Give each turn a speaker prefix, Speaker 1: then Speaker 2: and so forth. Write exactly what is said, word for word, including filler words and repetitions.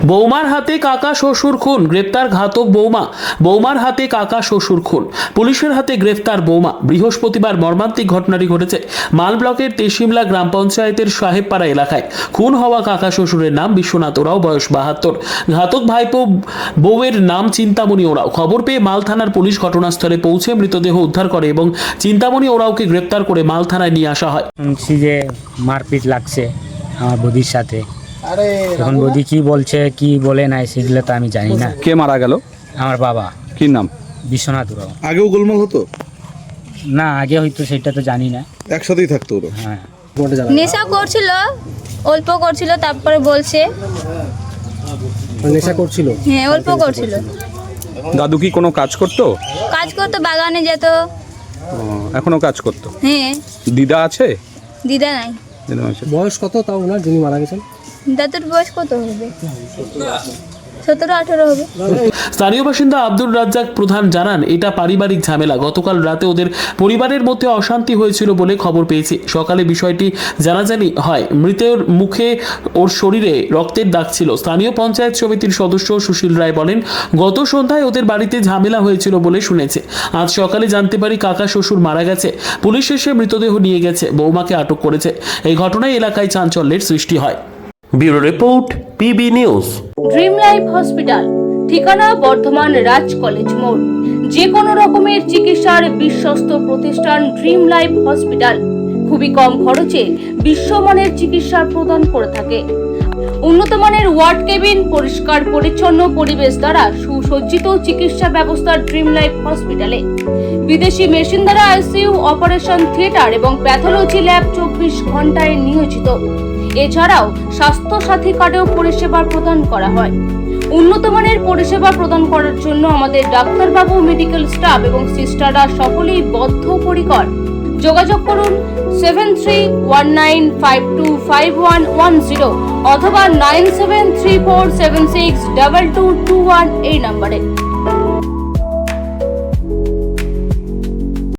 Speaker 1: বৌমার হাতে কাকা শ্বশুর খুন, গ্রেপ্তার ঘাতক বৌমা। বৌমার হাতে কাকা শ্বশুর খুন, পুলিশের হাতে গ্রেফতার বৌমা। বৃহস্পতিবার মর্মান্তিক ঘটনাটি ঘটেছে মাল ব্লকের তেশিমলা গ্রাম পঞ্চায়েতের সাহেবপাড়া এলাকায়। খুন হওয়া কাকা শ্বশুরের নাম বিশ্বনাথ ওরাও, বয়স বাহাত্তর। ঘাতক ভাইপো বউয়ের নাম চিন্তামণি ওরাও। খবর পেয়ে মাল থানার পুলিশ ঘটনাস্থলে পৌঁছে মৃতদেহ উদ্ধার করে এবং চিন্তামণি ওরাওকে গ্রেপ্তার করে মাল থানায় নিয়ে আসা হয়।
Speaker 2: শুনছি যে মারপিট লাগছে আমার বৌদির সাথে। এখন বৌদি কি বলছে কি বলে নাই সেগুলো তো আমি জানি না।
Speaker 3: কে মারা গেল?
Speaker 2: আমার বাবা।
Speaker 3: কি নাম?
Speaker 2: বিশ্বনাথ ওরাও।
Speaker 4: আগেও গোলমাল হতো?
Speaker 2: না, আগে হয়তো সেটা তো জানি না।
Speaker 4: একসাথেই থাকতো ওরা?
Speaker 2: হ্যাঁ,
Speaker 5: নেশা করছিল, অল্প করছিল, তারপরে বলছে
Speaker 6: নেশা করছিল।
Speaker 5: হ্যাঁ অল্প করছিল।
Speaker 3: দাদু কি কোনো কাজ করতো?
Speaker 5: কাজ করতো, বাগানে যেত।
Speaker 3: ও, এখনো কাজ করতো?
Speaker 5: হ্যাঁ।
Speaker 3: দিদা আছে?
Speaker 5: দিদা নাই।
Speaker 3: দিদা আছে।
Speaker 6: বয়স কত তাও ওনার যিনি মারা গেছেন?
Speaker 5: দাদুর বয়স কত হবে? সতেরো আঠেরো হবে।
Speaker 1: স্থানীয় বাসিন্দা আব্দুর রাজ্জাক প্রধান জানান, এটা পারিবারিক ঝামেলা। গতকাল রাতে ওদের পরিবারের মধ্যে অশান্তি হয়েছিল বলে খবর পেয়েছি। সকালে বিষয়টি জানাজানি হয়। মৃতের মুখে ওর শরীরে রক্তের দাগ ছিল। স্থানীয় পঞ্চায়েত সমিতির সদস্য সুশীল রায় বলেন, গত সন্ধ্যায় ওদের বাড়িতে ঝামেলা হয়েছিল বলে শুনেছে। আজ সকালে জানতে পারি কাকা শ্বশুর মারা গেছে। পুলিশ এসে মৃতদেহ নিয়ে গেছে, বৌমাকে আটক করেছে। এই ঘটনায় এলাকায় চাঞ্চল্যের সৃষ্টি হয়।
Speaker 7: Bureau report, PB news.
Speaker 8: Dream life hospital, ঠিকানা বর্ধমান রাজ কলেজ মোড়। যে কোনো রকমের চিকিৎসার বিশ্বস্ত প্রতিষ্ঠান ড্রিম লাইফ হসপিটাল খুবই কম খরচে বিশ্বমানের চিকিৎসা প্রদান করে থাকে। উন্নত মানের ওয়ার্ড কেবিন, পরিষ্কার পরিচ্ছন্ন পরিবেশ দ্বারা সুসজ্জিত চিকিৎসা ব্যবস্থা ড্রিম লাইফ হসপিটালে। বিদেশি মেশিন দ্বারা আইসিইউ, অপারেশন থিয়েটার এবং প্যাথোলজি ল্যাব চব্বিশ ঘন্টায় নিয়োজিত। এছাড়াও স্বাস্থ্য সাথী কার্ডেও পরিষেবা প্রদান করা হয়। উন্নত মানের পরিষেবা প্রদান করার জন্য আমাদের ডাক্তারবাবু, মেডিকেল স্টাফ এবং সিস্টাররা সকলেই বদ্ধপরিকর। যোগাযোগ করুন seven three one nine five two five one one zero অথবা nine seven three four seven six double two two one এই নম্বরে।